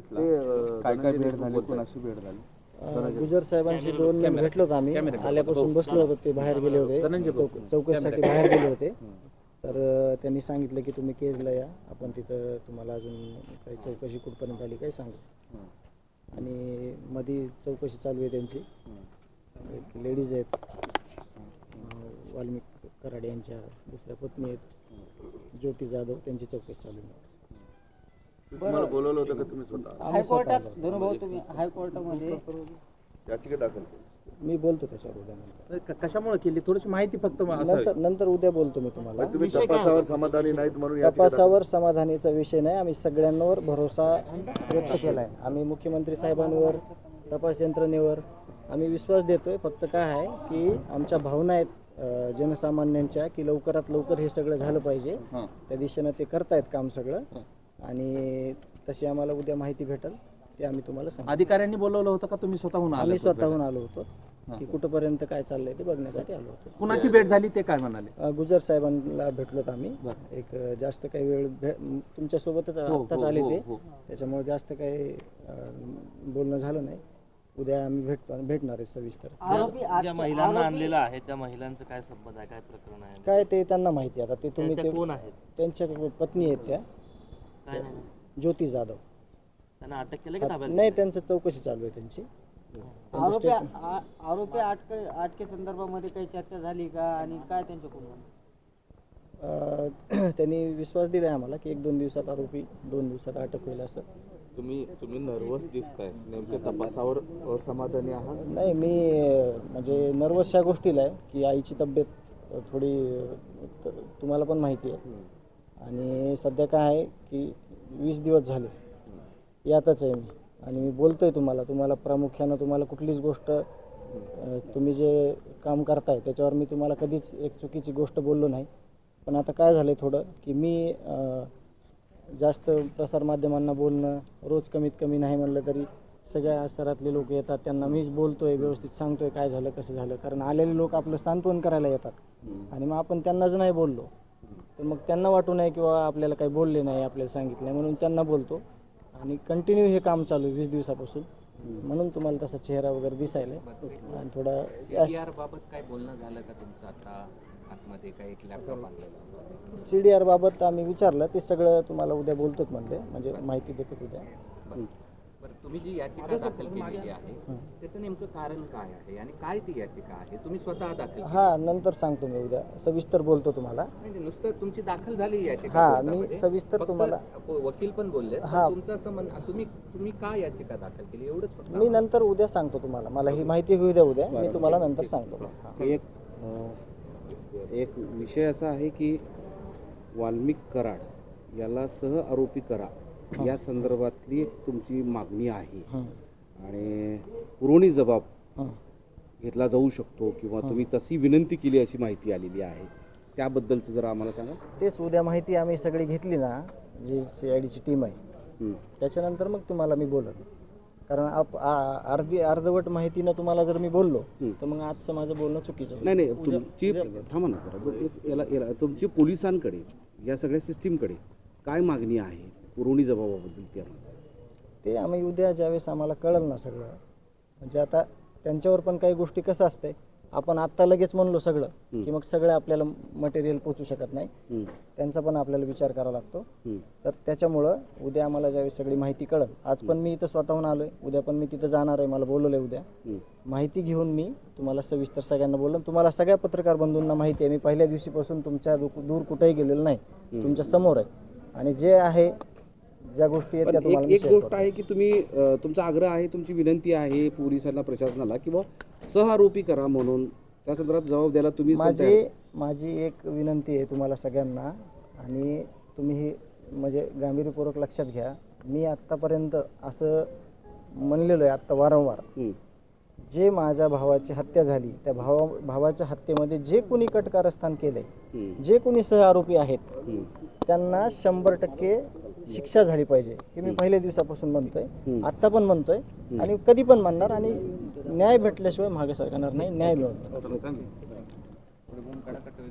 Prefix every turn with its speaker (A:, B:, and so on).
A: घेतला, काय काय भेट झाली, कोणाशी भेट झाली?
B: गुजर साहेबांशी 2 मिनिट भेटलो होतो आम्ही. आल्यापासून बसलो होतो, ते बाहेर गेले होते, चौकशीसाठी बाहेर गेले होते. तर त्यांनी सांगितलं की तुम्ही केजला या, आपण तिथं तुम्हाला अजून काही चौकशी कुठपर्यंत आली काही सांगू. आणि मध्ये चौकशी चालू आहे त्यांची. एक लेडीज आहेत, वाल्मिक कराड यांच्या दुसऱ्या पत्नी आहेत ज्योती जाधव, त्यांची चौकशी चालू आहे.
C: तुम्हाला बोलवलं होतं का तुम्ही स्वतः?
D: हायकोर्टात धनुभाऊ तुम्ही हायकोर्टामध्ये
C: याचिका दाखल केली.
B: मी बोलतो त्याच्यावर उद्या नंतर.
A: कशामुळे केली थोडीशी माहिती फक्त
B: नंतर उद्या बोलतो मी तुम्हाला.
C: तुम्ही तपासावर समाधानी नाहीत म्हणून याचिका
B: तपासावर समाधानीचा विषय नाही. आम्ही सगळ्यांवर भरोसा व्यक्त केला आहे. आम्ही मुख्यमंत्री साहेबांवर, तपास यंत्रणेवर आम्ही विश्वास देतोय. फक्त काय आहे की आमच्या भावना आहेत जनसामान्यांच्या की लवकरात लवकर हे सगळं झालं पाहिजे. त्या दिशेनं ते करतायत काम सगळं. आणि तशी आम्हाला उद्या माहिती भेटेल, ते आम्ही तुम्हाला सांगू.
A: अधिकाऱ्यांनी बोलवलं होतं का तुम्ही स्वतःहून आले?
B: आम्ही स्वतःहून आलो होतो की कुठंपर्यंत काय चाललंय ते बघण्यासाठी आलो होतो.
A: कुणाची भेट झाली ते काय म्हणाले?
B: गुजर साहेबांना भेटलोत आम्ही. एक जास्त काही वेळ तुमच्यासोबतच आत्ताच आले ते, त्याच्यामुळे जास्त काही बोलणं झालं नाही. उद्या आम्ही भेटणार आहे सविस्तर.
E: ज्या महिलांना आणलेलं आहे त्या महिलांचं काय संबंध आहे, काय प्रकरण आहे,
B: काय ते त्यांना माहिती. आता ते तुम्ही ते
E: कोण आहेत?
B: त्यांच्या पत्नी आहेत त्या ज्योती जाधव.
E: त्यांना अटक केलं की ताब्यात?
B: नाही, त्यांचं चौकशी चालू आहे त्यांची.
D: आरोपी अटके संदर्भामध्ये काही चर्चा झाली का आणि काय त्यांच्याकडून?
B: त्यांनी विश्वास दिलाय आम्हाला की 1-2 दिवसात आरोपी 2 दिवसात अटक होईल असं.
A: तुम्ही नर्वस दिसताय, नेमक्या तपासावर असमाधानी आहात?
B: नाही, मी म्हणजे नर्वस ह्या गोष्टीला आहे की आईची तब्येत थोडी तुम्हाला पण माहिती आहे. आणि सध्या काय आहे की 20 दिवस झाले यातच आहे मी. आणि मी बोलतोय तुम्हाला प्रामुख्यानं तुम्हाला कुठलीच गोष्ट तुम्ही जे काम करताय त्याच्यावर मी तुम्हाला कधीच एक चुकीची गोष्ट बोललो नाही. पण आता काय झालं थोडं की मी जास्त प्रसारमाध्यमांना बोलणं रोज कमीत कमी नाही म्हणलं तरी सगळ्या स्तरातले लोक येतात, त्यांना मीच बोलतोय, व्यवस्थित सांगतोय काय झालं कसं झालं. कारण आलेले लोक आपलं सांत्वन करायला येतात आणि मग आपण त्यांना जर नाही बोललो तर मग त्यांना वाटू नये किंवा आपल्याला काही बोलले नाही, आपल्याला सांगितलं नाही, म्हणून त्यांना बोलतो. आणि कंटिन्यू हे काम चालू आहे 20 दिवसापासून, म्हणून तुम्हाला तसा चेहरा वगैरे दिसायला आणि थोडा.
F: CDR बाबत काय बोलणं झालं का तुमचं? आता आतमध्ये काय एक लॅपटॉप आणलेला
B: CDR बाबत आम्ही विचारलं, ते सगळं तुम्हाला उद्या बोलतोच म्हणले, म्हणजे माहिती देतो उद्या.
F: बरं, तुम्ही जी याचिका दाखल केलेली आहे त्याचं नेमकं कारण काय आहे आणि काय ती याचिका आहे? तुम्ही स्वतः दाखल?
B: हां, नंतर सांगतो मी उद्या, सविस्तर बोलतो तुम्हाला.
F: म्हणजे नुसतं तुमची दाखल झाली याचिका?
B: हां, मी सविस्तर तुम्हाला.
F: वकील पण बोलले.
B: हां,
F: तुमचं असं म्हणणं, तुम्ही काय याचिका दाखल केली एवढंच?
B: मी नंतर उद्या सांगतो तुम्हाला. मला ही माहिती होऊ द्या उद्या, मी तुम्हाला नंतर सांगतो.
G: एक विषय असा आहे की वाल्मिक कराड याला सह आरोपी करा या संदर्भातली तुमची मागणी आहे आणि पुरवणी जबाब घेतला जाऊ शकतो किंवा तुम्ही तशी विनंती केली अशी माहिती आलेली आहे. त्याबद्दलचं जरा आम्हाला सांगा.
B: तेच उद्या माहिती आम्ही सगळी घेतली ना, जी CIDची टीम आहे, त्याच्यानंतर मग तुम्हाला मी बोलत. कारण अर्धवट माहितीनं तुम्हाला जर मी बोललो तर मग आजचं माझं बोलणं चुकीचं.
G: नाही, तुमची थांबा ना जरा. तुमची पोलिसांकडे या सगळ्या सिस्टीमकडे काय मागणी आहे पुरवणी जबाबाबद्दल?
B: ते आम्ही उद्या ज्यावेळेस आम्हाला कळलं ना सगळं, म्हणजे आता त्यांच्यावर पण काही गोष्टी कसं असते, आपण आत्ता लगेच म्हणलो सगळं की मग सगळं आपल्याला मटेरियल पोचू शकत नाही, त्यांचा पण आपल्याला विचार करावा लागतो. तर त्याच्यामुळं उद्या आम्हाला ज्यावेळेस सगळी माहिती कळलं, आज पण मी इथं स्वतःहून आलोय, उद्या पण मी तिथं जाणार आहे, मला बोलवलंय उद्या. माहिती घेऊन मी तुम्हाला सविस्तर सगळ्यांना बोललो. तुम्हाला सगळ्या पत्रकार बंधूंना माहिती आहे, मी पहिल्या दिवशीपासून तुमच्या दूर कुठेही गेलेलो नाही, तुमच्या समोर आहे. आणि जे आहे ज्या गोष्टी आहेत त्या तुम्हाला
G: एक गोष्ट आहे की तुम्ही तुमचा आग्रह आहे, तुमची विनंती आहे पोलिसांना, प्रशासनाला किंवा सहआरोपी करा म्हणून, त्या संदर्भात जबाब द्यायला तुम्ही.
B: माझी एक विनंती आहे तुम्हाला सगळ्यांना, आणि तुम्ही ही म्हणजे गांभीर्यपूर्वक लक्षात घ्या. मी आत्तापर्यंत असं म्हणलेलो आहे आत्ता वारंवार, जे माझ्या भावाची हत्या झाली त्या भावाच्या हत्येमध्ये जे कोणी कटकारस्थान केलंय, जे कोणी सहआरोपी आहेत त्यांना 100% शिक्षा झाली पाहिजे, हे मी पहिल्या दिवसापासून म्हणतोय, आत्ता पण म्हणतोय आणि कधी पण म्हणणार. आणि न्याय भेटल्याशिवाय मागे सरकणार नाही, न्याय मिळवणार.